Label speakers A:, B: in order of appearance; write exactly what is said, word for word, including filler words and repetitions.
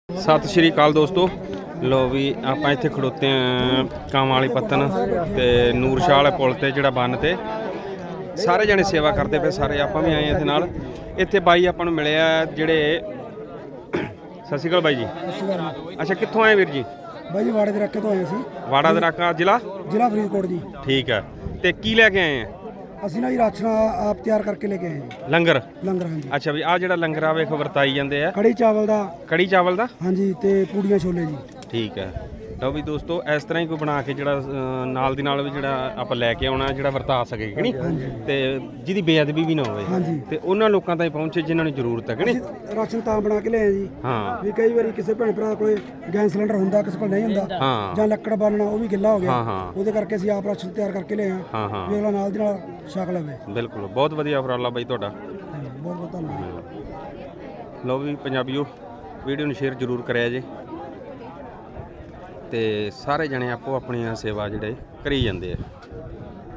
A: ਸਤਿ ਸ਼੍ਰੀ ਅਕਾਲ ਦੋਸਤੋ। ਲੋ ਵੀ ਆਪਾਂ ਇੱਥੇ ਖੜੋਤੇ ਆ ਕਾਂਵਾਂ ਵਾਲੀ ਪੱਤਨ ਤੇ ਨੂਰਸ਼ਾਹ ਵਾਲੇ ਪੁਲ ਤੇ ਜਿਹੜਾ ਬੰਨ ਤੇ ਸਾਰੇ ਜਣੇ ਸੇਵਾ ਕਰਦੇ ਪਏ। ਸਾਰੇ ਆਪਾਂ ਵੀ ਆਏ ਇੱਥੇ ਨਾਲ। ਇੱਥੇ ਬਾਈ ਆਪਾਂ ਨੂੰ ਮਿਲਿਆ ਜਿਹੜੇ। ਸਤਿ ਸ਼੍ਰੀ ਅਕਾਲ ਬਾਈ ਜੀ। ਅੱਛਾ, ਕਿੱਥੋਂ ਆਏ ਵੀਰ ਜੀ?
B: ਬਾਈ ਜੀ ਵਾੜੇ ਦੇ ਰੱਕੇ ਤੋਂ ਆਏ ਸੀ।
A: ਵਾੜਾ ਦੇ ਰੱਕਾ ਜ਼ਿਲ੍ਹਾ
B: ਜ਼ਿਲ੍ਹਾ ਫਰੀਦਕੋਟ ਜੀ।
A: ਠੀਕ ਹੈ। ਤੇ ਕੀ ਲੈ ਕੇ ਆਏ ਆ?
B: ਅਸੀਂ ਨਾ ਜੀ ਰਾਸ਼ਨ ਆਪ ਤਿਆਰ ਕਰਕੇ ਲੈ ਕੇ ਆਏ ਜੀ।
A: ਲੰਗਰ
B: ਲੰਗਰ ਹਾਂਜੀ।
A: ਅੱਛਾ ਵੀ ਆਹ ਜਿਹੜਾ ਲੰਗਰ ਆ ਵੇਖ ਵਰਤਾਈ ਜਾਂਦੇ ਆ।
B: ਕੜੀ ਚਾਵਲ ਦਾ।
A: ਕੜੀ ਚਾਵਲ ਦਾ
B: ਹਾਂਜੀ ਤੇ ਪੂੜੀਆਂ ਛੋਲੇ ਜੀ।
A: ਠੀਕ ਹੈ। ਲਓ ਵੀ ਦੋਸਤੋ, ਇਸ ਤਰ੍ਹਾਂ ਹੀ ਕੋਈ ਬਣਾ ਕੇ ਜਿਹੜਾ ਨਾਲ ਦੀ ਨਾਲ ਵੀ ਜਿਹੜਾ ਆਪਾਂ ਲੈ ਕੇ ਆਉਣਾ, ਜਿਹੜਾ ਵਰਤਾ ਸਕੇ ਕਿ ਨਹੀਂ, ਤੇ ਜਿਹਦੀ ਬੇਅਦਬੀ ਵੀ ਨਾ ਹੋਵੇ,
B: ਹਾਂਜੀ।
A: ਤੇ ਉਹਨਾਂ ਲੋਕਾਂ ਤਾਈਂ ਪਹੁੰਚੇ ਜਿਨ੍ਹਾਂ ਨੂੰ ਜ਼ਰੂਰਤ ਹੈ ਕਿ ਨਹੀਂ।
B: ਰਾਸ਼ਨ ਤਾਂ ਬਣਾ ਕੇ ਲਿਆਏ ਜੀ।
A: ਹਾਂ
B: ਵੀ ਕਈ ਵਾਰੀ ਕਿਸੇ ਭੈਣ ਭਰਾ ਕੋਲੇ ਗੈਸ ਸਿਲੰਡਰ ਹੁੰਦਾ, ਕਿਸੇ ਕੋਲ ਨਹੀਂ ਹੁੰਦਾ,
A: ਹਾਂ
B: ਜਾਂ ਲੱਕੜ ਬਾਲਣਾ ਉਹ ਵੀ ਗਿੱਲਾ ਹੋ ਗਿਆ,
A: ਹਾਂ ਹਾਂ
B: ਉਹਦੇ ਕਰਕੇ ਅਸੀਂ ਆਪ ਰਾਸ਼ਨ ਤਿਆਰ ਕਰਕੇ ਲਿਆਏ ਆ
A: ਹਾਂ ਹਾਂ
B: ਵੀ ਅਗਲਾ ਨਾਲ ਦੀ ਨਾਲ ਛਕ ਲਵੇ।
A: ਬਿਲਕੁਲ, ਬਹੁਤ ਵਧੀਆ ਉਪਰਾਲਾ ਬਾਈ ਤੁਹਾਡਾ।
B: ਬਹੁਤ ਬਹੁਤ ਧੰਨਵਾਦ।
A: ਲਓ ਵੀ ਪੰਜਾਬੀਓ, ਵੀਡੀਓ ਨੂੰ ਸ਼ੇਅਰ ਜ਼ਰੂਰ ਕਰਿਆ ਜੇ ਤੇ ਸਾਰੇ ਜਣੇ ਆਪੋ ਆਪਣੀਆਂ ਸੇਵਾ ਜਿਹੜੇ ਕਰੀ ਜਾਂਦੇ ਆ।